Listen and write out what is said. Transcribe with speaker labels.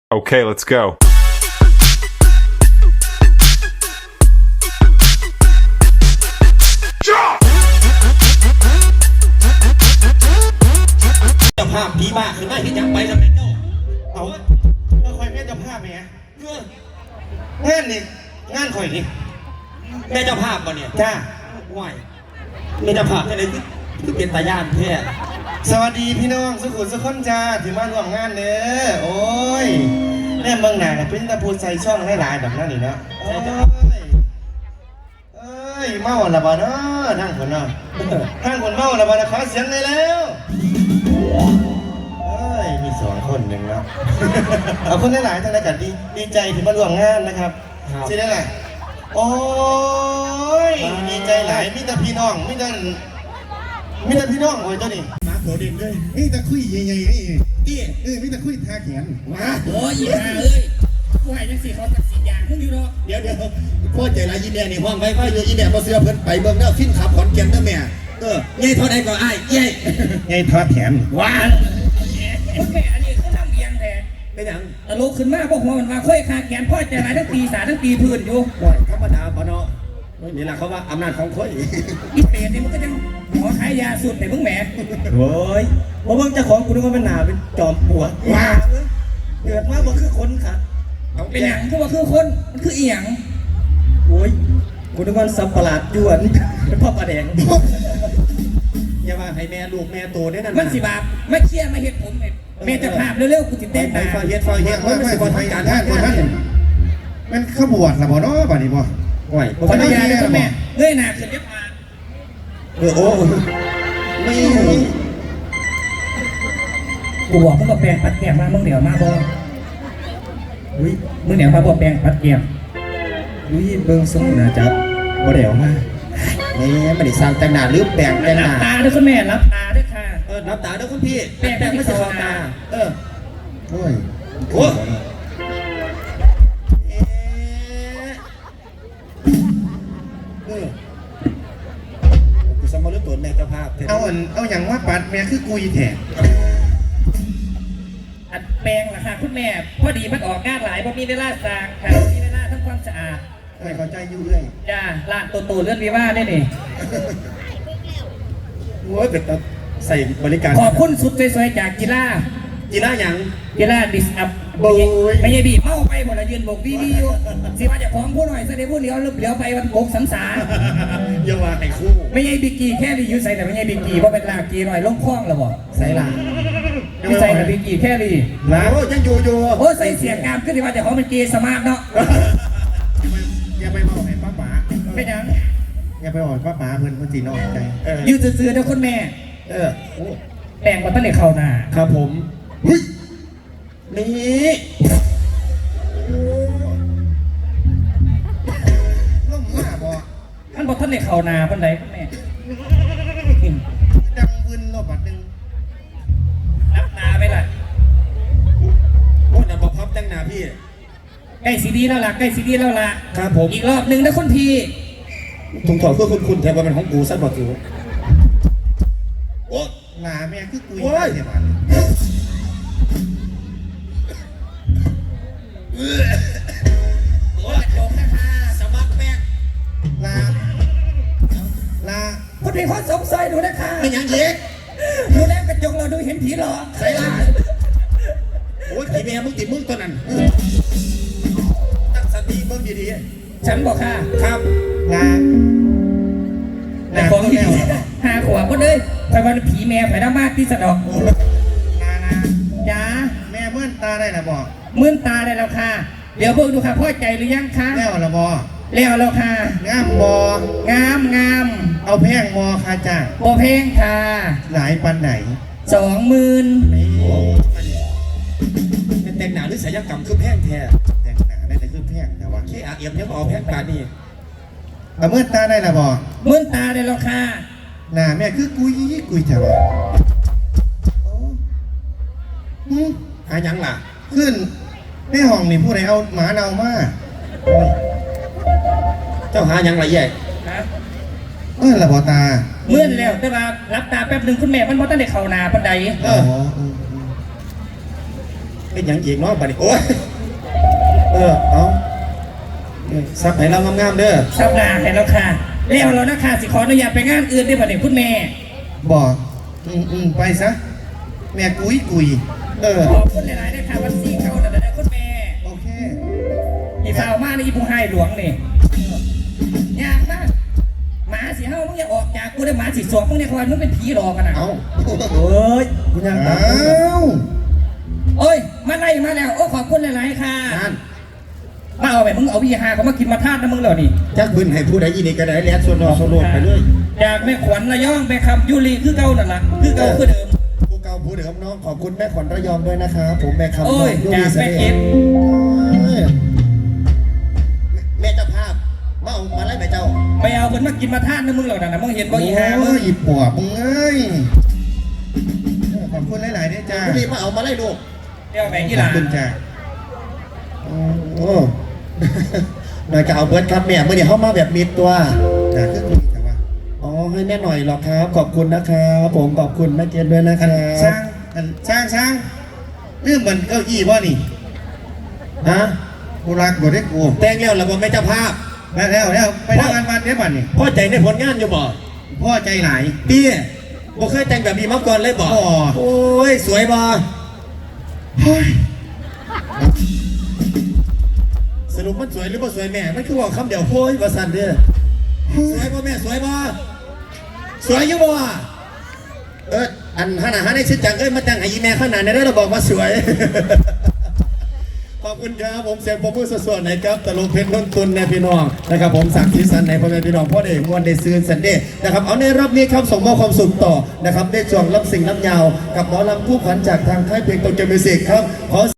Speaker 1: Okay, let's go.
Speaker 2: เจ้าภาพผีบ้าขึ้นมาเห็นยังไปทำไมเจ้าเอาแล้วคอยแม่เจ้าภาพไหมฮะงานนี่งานคอยนี่แม่เจ้าภาพป่ะเนี่ยจ้าไหวแม่เจ้าภาพแค่ไหนคือเป็นตาย่านแท้สวัสดีพี่น้องสุขุมสุขคนจ้าถึงมาร่วมงานเด้อโอ้ยแม่เมืองหนาเป็นตะพูดใส่ช่องหลายๆแบบนั้นนี่เนาะเอ้ยเมาละบ่เนาะทั้งคนเนาะทั้งคนเมาละบ่นะขอเสียงเลยแล้วมี2 คนหนึ่งแล้วเอาคนหลายๆท่านนะกันดีใจที่มาร่วมงานนะครับใช่ได้แหละโอ้ยดีใจหลายมิตรพี่น้องมิตรพี่น้องโอ้ยเจ้านี่มาโผล่เด่นเลยนี่ตะคุยใหญ่ๆนี่มิตรคุยทาแขนมา
Speaker 3: โอ้ยอีห่าเอ้ยผู้ให้จังสิเขาตัดสินอย่างขึ้นอยู่เนาะ
Speaker 2: เดี๋ยวพ่อใจร้ายยีแม่นี่ห้องไว้อยู่ยีแม่พอเสื้อเพิ่นไปเบิ่งเด้อฟินขับขอนแก่นเด้อแม่ยัยทอดไหนก็อ้ายยัยทอดแขน
Speaker 3: ว้าแม่อันนี้เขาทำเบียงแต่
Speaker 2: เป็นหยัง
Speaker 3: ตลกขึ้นมาบอกหัวมันมาค่อยขาแขนพ่อใจร้ายทั้งตีสาทั้งตีพื้นอยู่
Speaker 2: บ่อยธรรมดาปะเนาะนี่แหละเขาว่าอำนาจของคน
Speaker 3: อีเปรตนี่มันก็ยังขอขายยาสูตรแต่มึงแหม
Speaker 2: โอ้ยเพราะว่าเจ้าของกูนึกว่าเป็นหนาเป็นจอมปลวกว้าเกิดมาบ่คือคนค่ะ
Speaker 3: เป็นหยังคือว่าคือคนมันคืออีหยัง
Speaker 2: โอ้ยกูนึกว่าสับประหลาดยวนเป็นพ่อปลาแดงอย่ามาให้แม่ลูกแม่โตได้นั่น
Speaker 3: มันสิบาปไม่เชี่ยไม่เห็นผมแม่จะภาพเร็วๆกูติดเต้น
Speaker 2: ตาฟาเฮ็ดมันสิบ่ทำการท่านมันขบวนละบ่เนาะบัดนี้บ่โอ้ย
Speaker 3: ภรรยาเลยแม่เงยหน้าขึ้นเรียบมา
Speaker 2: โอ้ไม่
Speaker 3: กูบอกมึงก็แปลงปัดแก้มมามึงเดี๋ยวมาบ่
Speaker 2: อุ้ย
Speaker 3: มึงเดี๋ยวมาบ่แปลงปัดแก้ม
Speaker 2: อุ้ยเบิ่งส่งนะจ๊ะบ่เดี๋ยวมานี่ไม่ได้สร้างแต่งหน้าหรือแปลงแต่งหน้า
Speaker 3: รับตาด้วยคุณแม่รับตาด้วยค่ะ
Speaker 2: รับตาด้วยคุณพี่
Speaker 3: แปลงไม่ใช่ตา
Speaker 2: โอ้ยโอ้สมมติตัวแม่เจ้าภาพเอาอย่างว่าปัดแม่คือกุยแถบ
Speaker 3: อัดแปลงราคาคุณแม่พอดีมันออกงานหลายเพราะมีเวลาสร้างค่ะมีเวลาทำความสะอาด
Speaker 2: ไม่เข้าใจยุ่งเลย
Speaker 3: จ้าร้านโตๆเลื่อนวิว่าได้นี่
Speaker 2: โอ้ยเป็นใส่บริการ
Speaker 3: ขอบคุณสุดสวยๆจากกีฬา
Speaker 2: อย่าง
Speaker 3: กีฬาดิสอัพไม่ใช่บีบเมาไปหมดละยืนบอกวีอยู่สิว่าจะของผู้หน่อยแสดงผู้เลี้ยวไปวันโบกสังสาร
Speaker 2: อย่าว่าไอ้คู่
Speaker 3: ไม่ใช่บิกีแค่รียูใส่แต่ไม่ใช่บิกีเพราะเป็นลากีหน่อยล้มคล้องหรอบ่ใส่ลาไม่ใส่แต่บิกีแค่รี
Speaker 2: ลาโอ้ยังอยู่
Speaker 3: โอ้ใส่เสียงกามขึ้นที่ว่าจะของเป็นเกย์สมาร์ทเนาะ
Speaker 2: อย่าไปบอกไอ้ป้าป๋า
Speaker 3: ไม่ยัง
Speaker 2: อย่าไปบอกป้าป๋าเพื่อนคนจีนออกใจ
Speaker 3: ยืดซื่อๆนะคุณแม่แปลงมาตั้งแต่เข้าหน้า
Speaker 2: ครับผมนี่ล่มมาบ่
Speaker 3: ท่านบอกท่านในเขานาพันใดคุณแม่
Speaker 2: ดังวืนรอบบัดนึง
Speaker 3: รับตาไปล่ะ
Speaker 2: โอ้ยน่ะบอกพับดังหนาพี่
Speaker 3: ใกล้ซีดีแล้วล่ะใกล้ซีดีแล้วล่ะ
Speaker 2: ครับผม
Speaker 3: อีกรอบหนึ่งนะคุณพี่
Speaker 2: ถุงถอดเพื่อคุณแทนว่าเป็นของกูซัดบอกกูโอ้หนาแม่คือกูโอ้ย
Speaker 3: โอ้ยจงนะคะสมัครแป้ง
Speaker 2: ลา
Speaker 3: คุณพี่เขาสงสัยดูนะคะ
Speaker 2: ไม่ยังเย็ก
Speaker 3: ดูแล้วกระจกเราดูเห็นผีหรอ
Speaker 2: ใส่ลาโอ้ยผีแม่มึงติดมึงตัวนั้นตั้งสติเบิ่งดี
Speaker 3: ๆฉันบอกค่ะ
Speaker 2: ครับ
Speaker 3: แต่ของที่หาขวบก็เลยไปวันผีแม่ไปน้ำมากที่สะดอกจ้า
Speaker 2: แม่เมื่อนตาได้หรือบอก
Speaker 3: มื่นตาได้แล้วค่ะเดี๋ยวเบิ่งดูค่ะพ่อใจหรือยังคะ
Speaker 2: แล้วหรือบ่
Speaker 3: แล้วแล้วค่ะ
Speaker 2: งามบ่
Speaker 3: งาม
Speaker 2: เอาแพงบ่ค่ะจ้า
Speaker 3: บ่แพงค่ะ
Speaker 2: หลายปันไหน
Speaker 3: 20,000
Speaker 2: เป็นแต่งหนาหรือศิลปกรรมคือแพงแท้แต่งหนาได้แต่คือแพงแต่ว่าขี้อาเอี่ยมยังเอาแพงปานนี้เอาเมื่อตาได้หรือบ่
Speaker 3: มื่นตาได้แล้วค่ะ
Speaker 2: หน้าแม่คือกุยแถวหายังล่ะขึ้นในห้องนี่ผู้ใดเอาหมาเน่ามาเจ้าหายังไรแย่ละบอตา
Speaker 3: เมื่อแล้วแต่ว่ารับตาแป๊บหนึ่งคุณแม่มันบ่ตั้งแต่เข่านาปันใด
Speaker 2: เป็นอย่างอีกเนาะบัดนี้โอ้ยเอาซับให้เรางามๆเด้อ
Speaker 3: สัปดาห์ให้แล้วค่ะแล้วเรานะคะสิขออนุญาตไปงานอื่นได้ป่ะเนี่ยคุณแม่
Speaker 2: บอกไปซะแม่กุย
Speaker 3: ขอบคุณหลายๆนะคะวันซี่เขาแต่ได้คุณแม่
Speaker 2: โอเค
Speaker 3: อีสาวมากนี่อีผู้ให้หลวงนี่ยากมากหมาสีเฮามึงอย่าออกจากกูได้หมาสีสวงมึงเนี่ยคอยมึงเป็นผีหลอกกันนะ
Speaker 2: เอา
Speaker 3: เอ้ย
Speaker 2: คุณยังเอา
Speaker 3: โอ้ยมาไล่มาแล้วโอ้ขอบคุณหลายๆค่ะ
Speaker 2: นั่น
Speaker 3: มาเอาไปมึงเอาวิหาเขามากินมาทาดนะมึงเหรอนี่
Speaker 2: จักบึนให้ผู้ใดยินดีก็ได้แล้วส่วนรอโซโลดไปเลย
Speaker 3: จากแม่ขวัญระยองไปคำยุรีคือเก่านั่นล่ะคือเก่าคือเดิม
Speaker 2: ผู้เก่าผู้เดิมน้องขอบคุณแม่ขวัญระยองด้วยนะครับผมแม่คำ
Speaker 3: โอ้ย
Speaker 2: ยู
Speaker 3: จาก
Speaker 2: ริ
Speaker 3: แม่เอ็ด
Speaker 2: แม่เจ้าภาพมาไล่แม่เจ้า
Speaker 3: ไปเอาคนมากินมาทาดนะมึงเหรอนะมึงเห็นบ่อีหามึง
Speaker 2: อีปอบมึงเอ้ยขอบคุณหลายๆด้วยจ้ารีบมาเอามาไล่ลูก
Speaker 3: เดี๋ยวแบ่ง
Speaker 2: ข
Speaker 3: กี่
Speaker 2: อ
Speaker 3: ห
Speaker 2: บ
Speaker 3: ลาน
Speaker 2: คุณจ้าโอ้หน่อยก็เอาเบิร์ดครับแม่เมื่อเดี๋ยวเข้ามาแบบมีตัวจ้าคือคุยกันว่าอ๋อให้แม่หน่อยหรอกครับขอบคุณนะครับผมขอบคุณแม่เจนด้วยนะครับช่างเรื่องมันเก้าอี้บ่นี่ฮะกูรักบ่ได้กูแต่งแล้วแล้วบ่แม่เจ้าภาพแล้วไปทำงานวันเนี้ยบัดนี่พ่อใจในผลงานอยู่บ่พ่อใจหลายพี่บ่เคยแต่งแบบนี้มาก่อนเลยบ่โอ้ยสวยบ่สรุปมันสวยหรือบ่สวยแม่มันคือว่าคำเดียวโอ้ยว่าสั่นเด้อสวยบ่แม่สวยบ่สวยอยู่บ่อันขนาดในชิดจังมาแต่งให้อีแม่ขนาดนี้เราบอกว่าสวย ขอบคุณครับผมเสียงผมมือสดๆนะครับตลกเพชรนนตุนในพี่น้องนะครับผมสักทีสันในพ่อแม่พี่น้องพ่อเด็กมวลเดซืนสันเดย์นะครับเอาในรอบนี้ครับส่งมอบความสุขต่อนะครับได้ช่วงรับสิ่งรับยาวกับหมอลำผู้ขวัญจากทางค่ายเพลงโตเกียวมิวสิกครับขอ